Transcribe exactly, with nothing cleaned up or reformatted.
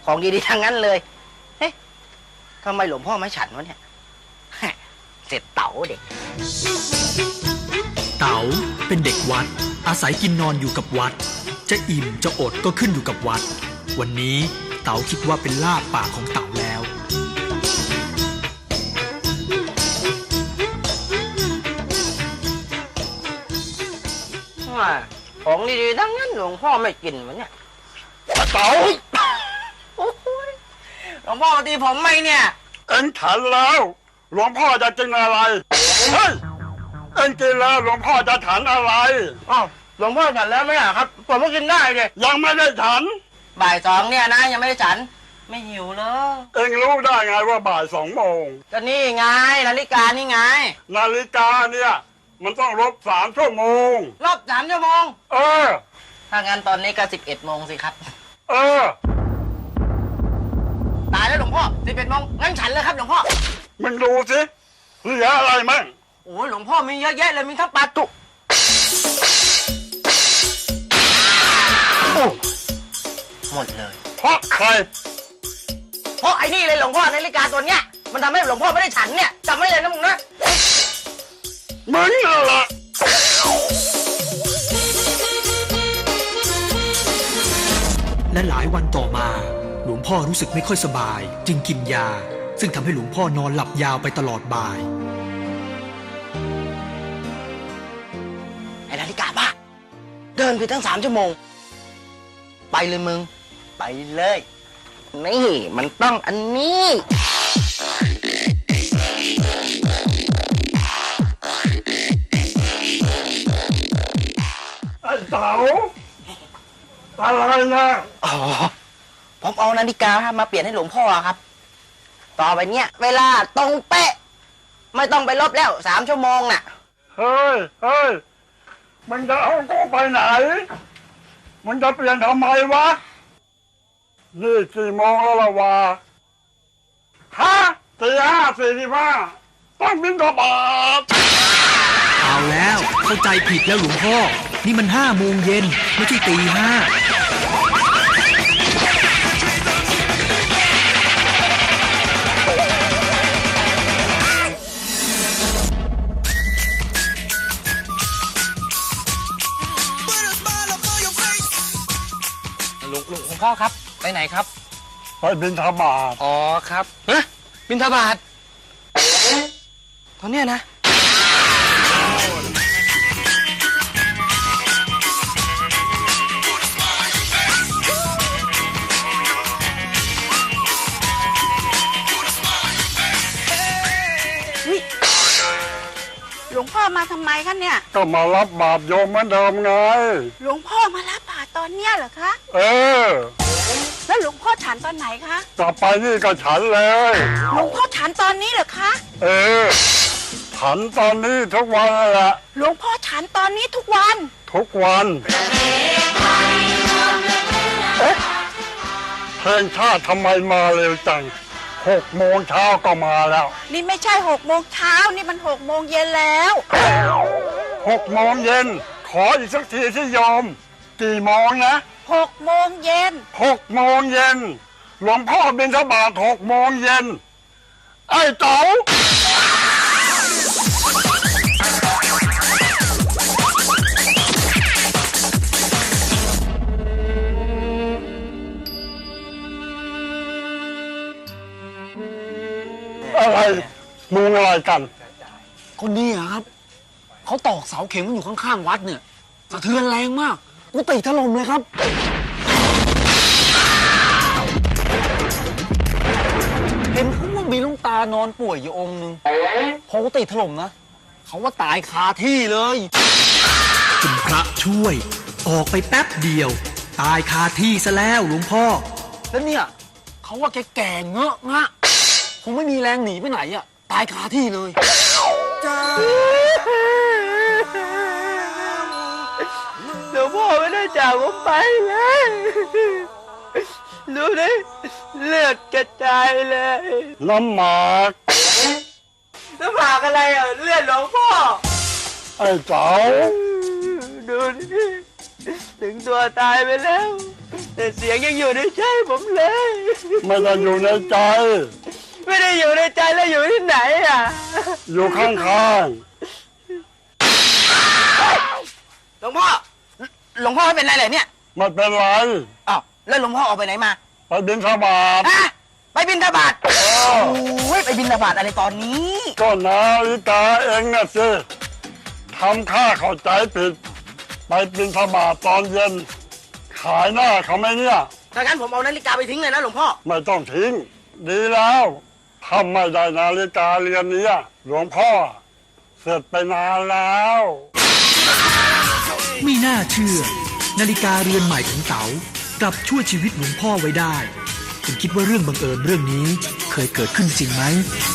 ของดีๆทั้งนั้นเลยเฮ้ยทำไมหลวงพ่อไม่ฉันวะเนี่ยเสร็จเต๋าเด็กเต๋าเป็นเด็กวัดอาศัยกินนอนอยู่กับวัดจะอิ่มจะอดก็ขึ้นอยู่กับวัดวันนี้เต๋าคิดว่าเป็นลาภปากของเต๋าแล้วของดีๆทั้งนั้นหลวงพ่อไม่กินวะเนี่ยเต๋าหลวงพ่อตีผมไหมเนี่ยเอ็งฉันแล้วหลวงพ่อจะกินอะไรเฮ้ยเอ็งกินแล้วหลวงพ่อจะฉันอะไรอ้าวหลวงพ่อฉันแล้วไหมอ่ะครับผมก็กินได้เลยยังไม่ได้ฉันบ่ายสองเนี่ยนะยังไม่ได้ฉันไม่หิวเลยเอ็งรู้ได้ไงว่าบ่ายสองโมงก็นี่ไงนาฬิกานี่ไงนาฬิกาเนี่ยมันต้องลบสามชั่วโมงลบสามชั่วโมงเออถ้างั้นตอนนี้ก็สิบเอ็ดโมงสิครับเออตายแล้วหลวงพ่อสิบเอ็ดโมงงั้นฉันเลยครับหลวงพ่อมึงดูสิเหลืออะไรมั่งโอ้ยหลวงพ่อมีเยอะแยะเลยมีทั้งปลาตุหมดเลยเพราะใครเพราะไอ้นี่เลยหลวงพ่อนาฬิกาตัวเนี้ยมันทำให้หลวงพ่อไม่ได้ฉันเนี่ยจำไว้เลยนะมึงนะมึงนั่นแหละและหลายวันต่อมาหลวงพ่อรู้สึกไม่ค่อยสบายจึงกินยาซึ่งทำให้หลวงพ่อนอนหลับยาวไปตลอดบ่ายไอ้นาฬิกาบ้าเดินไปตั้งสามชั่วโมงไปเลยมึงไปเลยนี่มันต้องอันนี้ไอ้เต๋าอะไรนะอ๋อผมเอานาฬิกามาเปลี่ยนให้หลวงพ่อครับต่อไปเนี้ยเวลาตรงเป๊ะไม่ต้องไปลบแล้วสามชั่วโมงน่ะเฮ้ยเฮ้ยมันจะเอากูไปไหนมันจะเปลี่ยนทำไมวะนี่สี่โมงแล้วละวะฮะสี่ห้าสี่สิบห้าต้องบินกบาทเอาแล้วเข้าใจผิดแล้วหลวงพ่อนี่มันห้าโมงเย็นไม่ใช่ตีห้าลุงลุงคุณพ่อครับไปไหนครับไปบิณฑบาตอ๋อครับฮะบิณฑบาตตอนเนี้ยนะหลวงพ่อมาทำไมคะเนี่ยก็มารับบาตรโยมเหมือนเดิมไงหลวงพ่อมารับบาตรตอนเนี้ยเหรอคะเออแล้วหลวงพ่อฉันตอนไหนคะกลับไปนี่ก็ฉันเลยหลวงพ่อฉันตอนนี้เหรอคะเออฉันตอนนี้ทุกวันแหละหลวงพ่อฉันตอนนี้ทุกวันทุกวันเอ๊ะเพลงชาติทำไมมาเร็วจังหกโมงเช้าก็มาแล้วนี่ไม่ใช่หกโมงเช้านี่มันหกโมงเย็นแล้วหกโมงเย็นขออีกสักทีที่ยอมกี่โมงนะหกโมงเย็นหกโมงเย็นหลวงพ่อบิณฑบาตหกโมงเย็นไอ้เต๋าอะไรมึงอะไรกันคนนี้ครับเขาตอกเสาเข็มอยู่ข้างๆวัดเนี่ยสะเทือนแรงมากกุฏิถล่มเลยครับเห็นเขาว่ามีลุงตานอนป่วยอยู่องค์นึงพอกุฏิถล่มนะเขาว่าตายคาที่เลยคุณพระช่วยออกไปแป๊บเดียวตายคาที่ซะแล้วหลวงพ่อแล้วเนี่ยเขาว่าแกแก่เงอะงะคงไม่มีแรงหนีไปไหนอ่ะตายคาที่เลยหลวงพ่อไม่ได้จากผมไปเลยดูดิเลือดกระจายเลยน้ำหมากน้ำหมากอะไรอ่ะเลือดหลวงพ่อไอ้เจ้าดูดิถึงตัวตายไปแล้วแต่เสียงยังอยู่ในใจผมเลยไม่ได้อยู่ในใจไม่ได้อยู่ในใจแล้วอยู่ที่ไหนอ่ะอยู่ข้างหลวงพ่อ หลวงพ่อเป็นไรเหรอเนี่ยๆไม่เป็นไรอ้าวแล้วหลวงพ่อออกไปไหนมาไปบิณฑบาตฮะไปบิณฑบาตเออโอ้ยไปบิณฑบาตอะไรตอนนี้ก็นาฬิกาเองน่ะสิทำข้าเข้าใจผิด ไปบิณฑบาตตอนเย็น ขายหน้าเขาไหมเนี่ยถ้างั้นผมเอานาฬิกาไปทิ้งเลยนะหลวงพ่อไม่ต้องทิ้ง ดีแล้วทำไม่ได้นาฬิกาเรือนนี้หลวงพ่อ เสร็จไปนานแล้วไม่น่าเชื่อ นาฬิกาเรือนใหม่ของเต๋ากลับช่วยชีวิตหลวงพ่อไว้ได้ คุณคิดว่าเรื่องบังเอิญเรื่องนี้เคยเกิดขึ้นจริงไหม